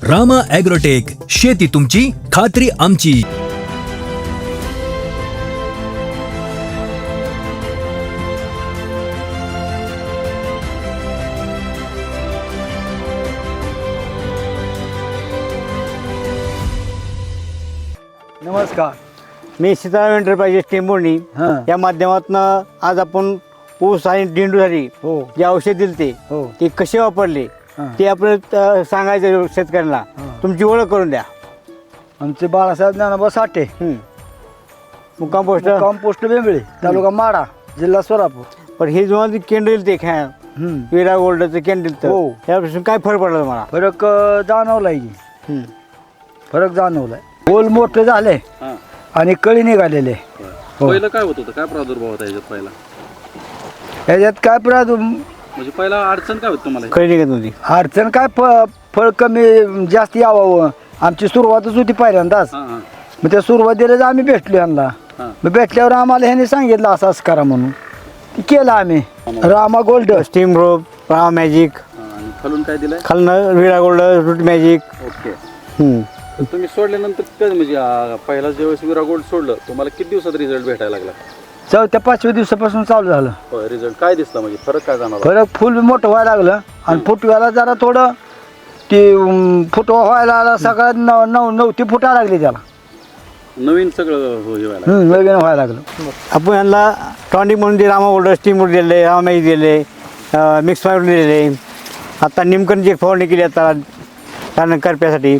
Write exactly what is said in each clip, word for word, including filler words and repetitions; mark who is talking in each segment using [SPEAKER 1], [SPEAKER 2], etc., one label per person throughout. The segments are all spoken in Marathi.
[SPEAKER 1] रामा ॲग्रोटेक, शेती तुमची खात्री आमची.
[SPEAKER 2] नमस्कार,
[SPEAKER 3] मी सीताराम एंटरप्राइजेस टेंबोर्णी
[SPEAKER 2] हां.
[SPEAKER 3] या माध्यमातून आज आपण ऊस आणि झेंडूसाठी
[SPEAKER 2] हो
[SPEAKER 3] जे औषध दिले ते
[SPEAKER 2] हो
[SPEAKER 3] ते कसे वापरले
[SPEAKER 2] हां.
[SPEAKER 3] ते आपण अ, सांगायचं शेतकऱ्यांना.
[SPEAKER 2] हां.
[SPEAKER 3] तुमची ओळख करून द्या.
[SPEAKER 2] आमचे बाळासाहेब ज्ञानोबा साठे,
[SPEAKER 3] हं. मुक्काम पोस्ट.
[SPEAKER 2] कंपोस्ट बेंबळे, तालुका माडा, जिल्हा सोलापूर.
[SPEAKER 3] पण हे जेव्हा केंद्र दिलं ते खा
[SPEAKER 2] हम्म.
[SPEAKER 3] विरा गोल्डचं केंद्र दिलं
[SPEAKER 2] हो.
[SPEAKER 3] त्यापासून काय फरक पडला तुम्हाला?
[SPEAKER 2] फरक अं, जाणवलाय की
[SPEAKER 3] हं.
[SPEAKER 2] फरक जाणवलाय. गोल मोठे झाले
[SPEAKER 4] हां.
[SPEAKER 2] आणि कळी निघालेले. हो.
[SPEAKER 4] पहिलं काय होत होतं, काय प्रादुर्भाव होता याच्यात पहिला?
[SPEAKER 2] याच्यात काय प्रादु
[SPEAKER 4] म्हणजे पहिला अडचण काय होती तुम्हाला?
[SPEAKER 3] कळी निघत नव्हती.
[SPEAKER 2] अडचण काय फ फळ कमी जास्त यावं. आमची सुरुवातच होती पहिल्यांदाच.
[SPEAKER 4] हां हां
[SPEAKER 2] मग त्या सुरुवातीलाच आम्ही भेटलो यांना.
[SPEAKER 4] हां.
[SPEAKER 2] मग भेटल्यावर आम्हाला ह्याने सांगितलं असं असं करा म्हणून. ते केलं आम्ही. Rama gold,
[SPEAKER 3] steam rope, Ram magic,
[SPEAKER 4] हां. आणि खालून काय दिलंय?
[SPEAKER 3] खालनं Vira gold, root magic.
[SPEAKER 4] Okay.
[SPEAKER 3] हं.
[SPEAKER 4] तर तुम्ही सोडल्यानंतर काय म्हणजे आ, पहिला ज्यावेळेस विरा गोल्ड सोडलं तुम्हाला किती दिवसात रिझल्ट भेटायला लागला?
[SPEAKER 2] चौथ्या पाचव्या दिवसापासून चालू झालं.
[SPEAKER 4] होय, रिझल्ट काय दिसला म्हणजे फरक काय जाणवला?
[SPEAKER 2] फरक फुल मोठं व्हायला लागलं आणि फुटव्याला जरा थोडं ते अं, फुटवा व्हायला आला. सगळ्यात नऊ नऊ नऊ ती फुटा लागली त्याला.
[SPEAKER 4] नवीन सगळं हो हे व्हायला लागलं.
[SPEAKER 2] हम्म, नवीन व्हायला लागलं.
[SPEAKER 3] आपण यांना टॉनिक म्हणून ते रामा गोल्ड स्टीम रोड दिले, रामा मॅजिक दिले, मिक्स फायबर दिलेले. आता निमकरची एक फवारणी केली आता कारण करप्यासाठी.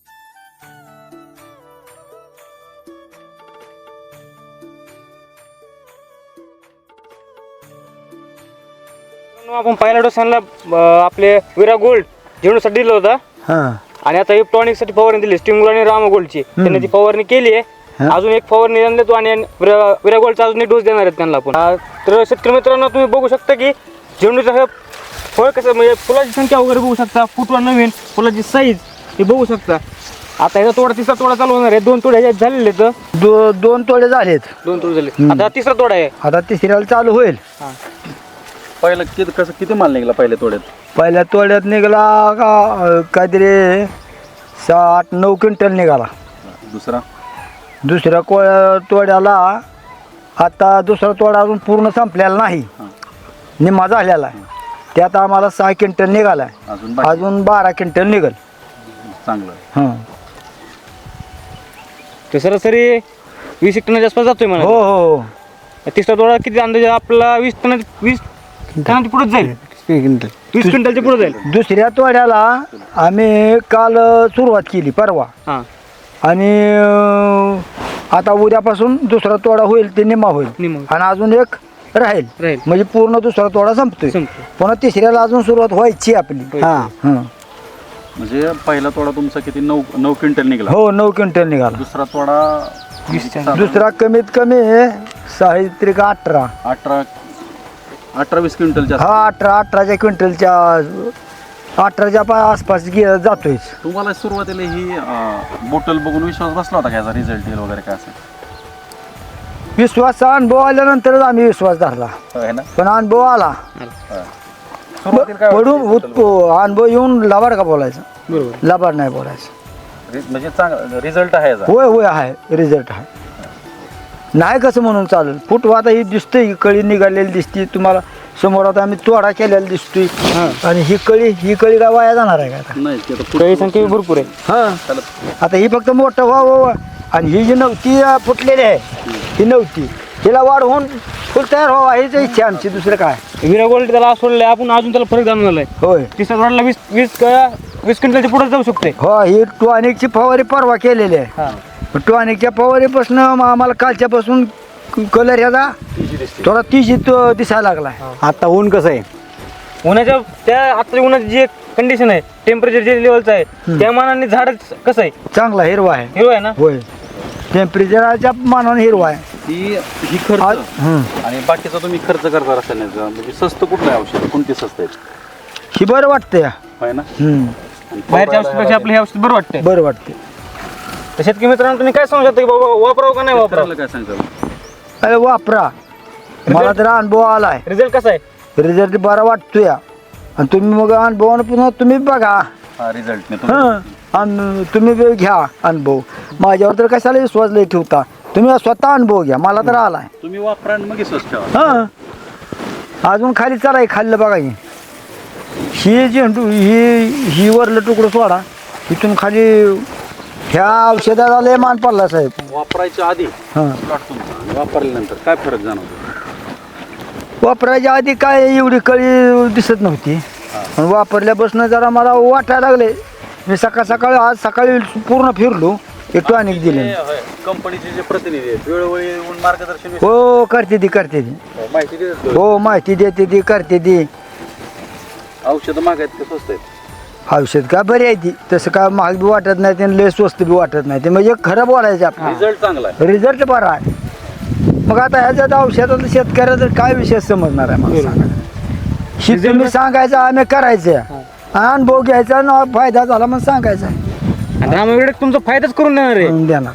[SPEAKER 5] आपण पहिल्या डोसांना आपले विरा गोल्ड झेंडूसाठी दिलं होतं
[SPEAKER 2] हां
[SPEAKER 5] आणि आता टॉनिक साठी फवारणी दिली स्टिंगुल आणि रामा गोल्डची. त्यांनी ती फवारणी केली आहे.
[SPEAKER 2] हा.
[SPEAKER 5] अजून एक फवारणी त्यांना देतो आणि विरा विरा गोल्डचा अजून एक डोस देणार आहेत त्यांना आपण. आ, तर शेतकरी मित्रांनो तुम्ही बघू शकता की झेंडूचं हे फळ कसं म्हणजे फुलाची संख्या वगैरे बघू शकता. फुटवा नवीन, फुलाची साईज हे बघू शकता. आता ह्याचा तोडा तिसरा तोडा चालू होणार आहे. दोन तोडे ह्याच्यात झालेले आहेत.
[SPEAKER 2] दो दोन तोडे झालेत.
[SPEAKER 5] दोन तोडे झाले. आता तिसरा तोडा आहे.
[SPEAKER 2] आता तिसऱ्याला चालू होईल.
[SPEAKER 4] पहिलं किती कसं किती माल निघाला पहिल्या तोड्यात?
[SPEAKER 2] पहिल्या तोड्यात निघाला का अं, काहीतरी सहा आठ नऊ क्विंटल निघाला.
[SPEAKER 4] दुसरा
[SPEAKER 2] दुसऱ्या को तोड्याला आता दुसरा तोडा अजून पूर्ण संपलेला नाही,
[SPEAKER 4] हां.
[SPEAKER 2] निम्मा झालेला आहे. त्यात आम्हाला सहा क्विंटल निघाला आहे.
[SPEAKER 4] अजून बाकी?
[SPEAKER 2] अजून बारा क्विंटल निघल.
[SPEAKER 4] चांगलं.
[SPEAKER 2] हां
[SPEAKER 5] तर सरासरी वीस एक टनाच्या आसपास जातोय
[SPEAKER 2] हो
[SPEAKER 5] मला.
[SPEAKER 2] हो हो.
[SPEAKER 5] तिसरा तोडा किती अंदाजे आपला वीस टना वीस टनाच्या पुढे जाईल. वीस क्विंटलच्या पुढे जाईल.
[SPEAKER 2] दुसऱ्या तोड्याला आम्ही काल अ, सुरुवात केली परवा
[SPEAKER 5] हां
[SPEAKER 2] आणि अ, आता उद्यापासून दुसरा तोडा होईल ते निम्मा होईल
[SPEAKER 5] निम्मा.
[SPEAKER 2] आणि अजून एक राहील
[SPEAKER 5] राहील.
[SPEAKER 2] म्हणजे पूर्ण दुसरा तोडा संपतोय.
[SPEAKER 5] संपतो.
[SPEAKER 2] पुन्हा तिसऱ्याला अजून सुरुवात व्हायची आपली.
[SPEAKER 5] व्हायची.
[SPEAKER 2] हां हां
[SPEAKER 4] म्हणजे पहिला तोडा तुमचा किती नऊ नऊ क्विंटल निघाला.
[SPEAKER 2] हो नऊ क्विंटल निघाला.
[SPEAKER 4] दुसरा तोडा साधारण
[SPEAKER 2] दुसरा कमीत कमी साहित्रिक अठरा
[SPEAKER 4] अठरा अठरा वीस क्विंटलच्या
[SPEAKER 2] हा अठरा अठराच्या क्विंटलच्या अठराच्या पा- आसपास गे- जातोय.
[SPEAKER 4] तुम्हाला सुरुवातीला ही बोटल बघून विश्वास बसला होता का याचा रिझल्ट येईल वगैरे काय असेल?
[SPEAKER 2] विश्वासचा अनुभव आल्यानंतरच आम्ही विश्वास धरला.
[SPEAKER 4] आहे ना?
[SPEAKER 2] पण अनुभव आला
[SPEAKER 4] सुरुवातीला काय
[SPEAKER 2] पडून
[SPEAKER 4] वाटलं bottle
[SPEAKER 2] उत- अनुभव येऊन लबाड का बोलायचं,
[SPEAKER 5] बरोबर.
[SPEAKER 2] लबाड नाही बोलायचं.
[SPEAKER 4] बघून? म्हणजे चांगला रिझल्ट आहे याचा.
[SPEAKER 2] होय होय आहे रिझल्ट आहे. नाही कसं म्हणून चालेल. फुटवा आता ही दिसते, ही कळी निघालेली दिसते तुम्हाला समोर. आता आम्ही तोडा केलेला दिसतोय आणि ही कळी ही कळी काय वाया जाणार आहे का आता?
[SPEAKER 4] नाही ते आता
[SPEAKER 5] काही
[SPEAKER 4] पुढचं-
[SPEAKER 5] संख्या भरपूर आहे.
[SPEAKER 2] हां
[SPEAKER 4] त्याला
[SPEAKER 2] आता ही फक्त मोठं व्हा व्हा आणि ही जी नव्हती अं, फुटलेली आहे ही नव्हती, हिला वाढवून फुल तयार व्हावा हीच इच्छा आमची. दुसरं काय.
[SPEAKER 5] विरा गोल्ड त्याला सोडलंय आपण, अजून त्याला फरक जाणवलाय.
[SPEAKER 2] होय
[SPEAKER 5] तिसऱ्या तोड्याला वीस वीस क- वीस क्विंटलच्या पुढे जाऊ शकते.
[SPEAKER 2] हो ही टॉनिकची फवारी परवा केलेली आहे.
[SPEAKER 5] हां
[SPEAKER 2] टॉनिकच्या फवारीपासून आम्हाला कालच्यापासून कलर ह्याचा थोडा तिजीत दिसायला लागला.
[SPEAKER 3] आता ऊन कसं आहे?
[SPEAKER 5] उन्हाच्या त्या आता उन्हाची जी कंडिशन आहे, टेम्परेचर जे लेवलचं आहे त्या मानाने झाड कसं आहे,
[SPEAKER 2] चांगला हिरवा आहे.
[SPEAKER 5] हिरवा आहे ना.
[SPEAKER 2] होय टेम्परेचरच्या मानाने हिरवा आहे.
[SPEAKER 4] ही ही खर्च
[SPEAKER 2] आज- हं.
[SPEAKER 4] आणि बाकीचा तुम्ही खर्च करता रासायनिक म्हणजे स्वस्त कुठलं आहे औषध, कोणती स्वस्त आहेत?
[SPEAKER 2] ही बरं वाटतंय.
[SPEAKER 4] आहे ना?
[SPEAKER 2] हं.
[SPEAKER 4] आणि
[SPEAKER 5] बाहेरच्या औषधापेक्षा आपलं हे औषध बरं वाटतंय.
[SPEAKER 2] बरं वाटते.
[SPEAKER 5] तर शेतकरी मित्रांनो तुम्ही काय सांगू शकता की बाबा वापरावं का नाही वापरावं?
[SPEAKER 4] शेतकऱ्याला काय सांगता?
[SPEAKER 2] अरे वापरा. मला तर अनुभव आलाय.
[SPEAKER 5] रिझल्ट कसा आहे?
[SPEAKER 2] रिझल्ट बरा वाटतोय आणि तुम्ही मग अनुभवानं पुन्हा तुम्ही बघा.
[SPEAKER 4] हा रिझल्ट
[SPEAKER 2] हां आणि तुम्ही बी घ्या अनुभव. माझ्यावर तर कशाला विश्वास लय ठेवता, तुम्ही स्वतः अनुभव घ्या, मला तर आलाय.
[SPEAKER 4] तुम्ही वापरा आणि मग विश्वास ठेवा.
[SPEAKER 2] हां अजून खाली चला खाल्लं बघा की ही झेंडू ही ही वरलं तुकडं सोडा, इथून खाली ह्या औषधाला लय मान पडला साहेब.
[SPEAKER 4] वापरायच्या आधी
[SPEAKER 2] हां
[SPEAKER 4] प्लॉट तुमचा आणि वापरल्यानंतर काय फरक जाणवतो?
[SPEAKER 2] वापरायच्या आधी काय एवढी कळी दिसत नव्हती, पण वापरल्यापासून जरा मला वाटायला लागले. मी सकाळ सकाळी आज सकाळी पूर्ण फिरलो, एक टॉनिक दिले.
[SPEAKER 4] कंपनीचे जे प्रतिनिधी आहेत वेळोवेळी येऊन मार्गदर्शन
[SPEAKER 2] हो करते ती करते ती
[SPEAKER 4] माहिती देतात.
[SPEAKER 2] हो माहिती देते ती करते ती.
[SPEAKER 4] औषधं मागायत का स्वस्त आहेत?
[SPEAKER 2] औषध का बरी आहे ती, तसं काय महाग बी वाटत नाही आणि लय स्वस्त बी वाटत नाही. ते म्हणजे खरं बोलायचं आपलं,
[SPEAKER 4] रिझल्ट चांगला आहे.
[SPEAKER 2] रिझल्ट बरा आहे. मग आता ह्याच्यात औषधात शेतकऱ्याचा काय विषय समजणार आहे मला सांगा. ही तुम्ही सांगायचं आम्ही करायचं, अनुभव घ्यायचा ना फायदा झाला मग सांगायचा
[SPEAKER 5] आणि रामाविडे तुमचा फायदाच करून देणार आहे.
[SPEAKER 2] करून देणार.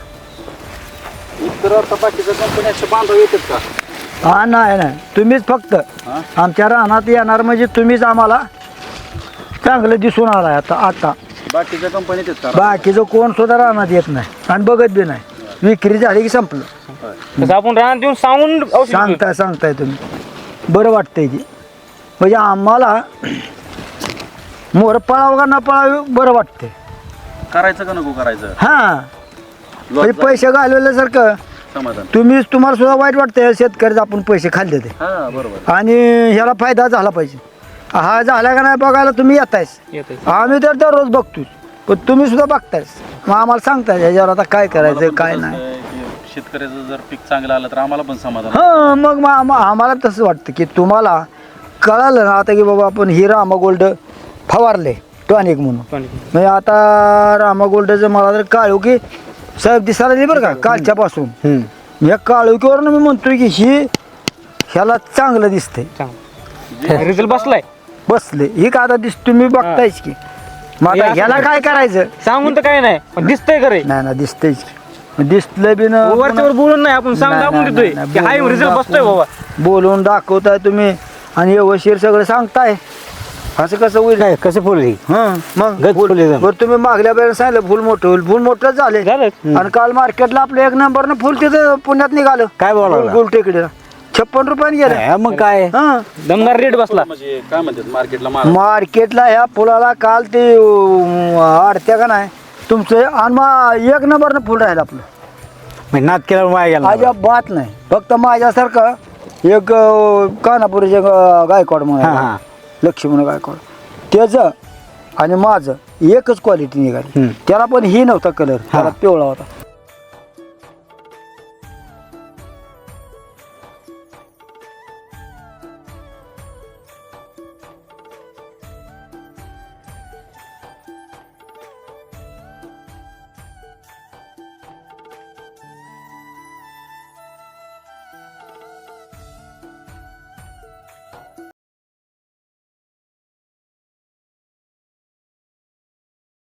[SPEAKER 4] इतर आता बाकीच्या कंपनी असे बांधव येतात का?
[SPEAKER 2] हा नाही नाही तुम्हीच फक्त
[SPEAKER 4] हा?
[SPEAKER 2] आमच्या रानात येणार म्हणजे तुम्हीच आम्हाला चांगलं दिसून आलाय. आता आता
[SPEAKER 4] बाकीच्या कंपनी येतात का?
[SPEAKER 2] बाकीचं कोण सुद्धा रानात येत नाही आणि बघत बी नाही. विक्री झाली की संपलं.
[SPEAKER 4] होय.
[SPEAKER 5] तसं आपण रानात देऊन सांगून औषध देतो.
[SPEAKER 2] सांगताय सांगताय तुम्ही बरं वाटतंय की म्हणजे आम्हाला मोर पळावं का न पळावं बरं वाटतंय.
[SPEAKER 4] करायचं का नको करायचं?
[SPEAKER 2] हां म्हणजे पैसे घालवल्यासारखं
[SPEAKER 4] समाधान.
[SPEAKER 2] तुम्ही तुम्हाला सुद्धा वाईट वाटतंय शेतकऱ्याचं आपण पैसे खाल्ले ते
[SPEAKER 4] हा बरोबर.
[SPEAKER 2] आणि ह्याला फायदा झाला पाहिजे. हा झाला का नाही बघायला तुम्ही येतायस,
[SPEAKER 5] येतंय.
[SPEAKER 2] आम्ही तर दररोज बघतोच, पण तुम्ही सुद्धा बघतायस. मग आम्हाला सांगताय ह्याच्यावर आता काय करायचं काय नाही.
[SPEAKER 4] शेतकऱ्याचं जर पीक चांगलं आलं तर आम्हाला पण समाधान.
[SPEAKER 2] हां मग मग आम्हा- आम्हाला तसं वाटतं की तुम्हाला कळालं ना आता की बाबा आपण ही रामा गोल्ड फवारले टॉनिक म्हणून.
[SPEAKER 5] पण
[SPEAKER 2] म्हणजे आता रामा गोल्डचं मला तर काळू की साहेब दिसायला नाही बरं का कालच्यापासून. या काळुकीवरून मी म्हणतोय की ही ह्याला चांगलं दिसतंय
[SPEAKER 5] चांगलं रिझल्ट बसलाय.
[SPEAKER 2] बसले ही का आता दिस तुम्ही बघतायच की. मग
[SPEAKER 5] हे
[SPEAKER 2] आता
[SPEAKER 5] असं
[SPEAKER 2] ह्याला
[SPEAKER 5] कर.
[SPEAKER 2] काय करायचं
[SPEAKER 5] सांगून तर काय नाही पण दिसतंय खरंय.
[SPEAKER 2] नाही ना दिसतंयच की. दिसलं बी ना
[SPEAKER 5] वरच्यावर बोलून नाही आपण सांग
[SPEAKER 2] नाही,
[SPEAKER 5] दाखवून
[SPEAKER 2] नाही,
[SPEAKER 5] देतोय
[SPEAKER 2] नाही,
[SPEAKER 5] की हाय
[SPEAKER 2] बोलून
[SPEAKER 5] रिझल्ट बसतोय
[SPEAKER 2] दाखवून.
[SPEAKER 5] बाबा.
[SPEAKER 2] बोलून दाखवताय तुम्ही आणि व्यवस्थित सगळं सांगताय. असं कसं होईल?
[SPEAKER 3] काय कसं फुल ही
[SPEAKER 2] हं मग
[SPEAKER 3] गच
[SPEAKER 2] फुल-
[SPEAKER 3] फुल एकदम.
[SPEAKER 2] बरं तुम्ही मागल्या वेळेला सांगितलं फुल मोठं होईल, फुल मोठं झाले.
[SPEAKER 5] झालं
[SPEAKER 2] आणि काल मार्केटला आपलं एक नंबरनं फुल तिथं पुण्यात निघालं.
[SPEAKER 3] काय बोलावं
[SPEAKER 2] गोल- गोल टेकडीला छप्पन रुपयाने गेलं.
[SPEAKER 3] काय, मग काय
[SPEAKER 2] हं
[SPEAKER 5] दमदार रेट बसला.
[SPEAKER 4] म्हणजे काय म्हणतात मार्केटला माल
[SPEAKER 2] मार्केटला ह्या फुलाला काल ते अं, आडत्या का नाही तुमचं आणि मग एक नंबरनं फुल राहिलं आपलं.
[SPEAKER 3] म्हणजे नाद केला वाया गेला.
[SPEAKER 2] अजिबात नाही. फक्त माझ्यासारखं एक अं, कानापुरीचे ग- गायकवाड
[SPEAKER 3] हां
[SPEAKER 2] म्हणून
[SPEAKER 3] हां
[SPEAKER 2] लक्ष्मण गायकवाड त्याचं आणि माझं एकच क्वालिटी निघाली.
[SPEAKER 3] हम्म.
[SPEAKER 2] त्याला पण ही नव्हता कलर, त्याला पिवळा होता.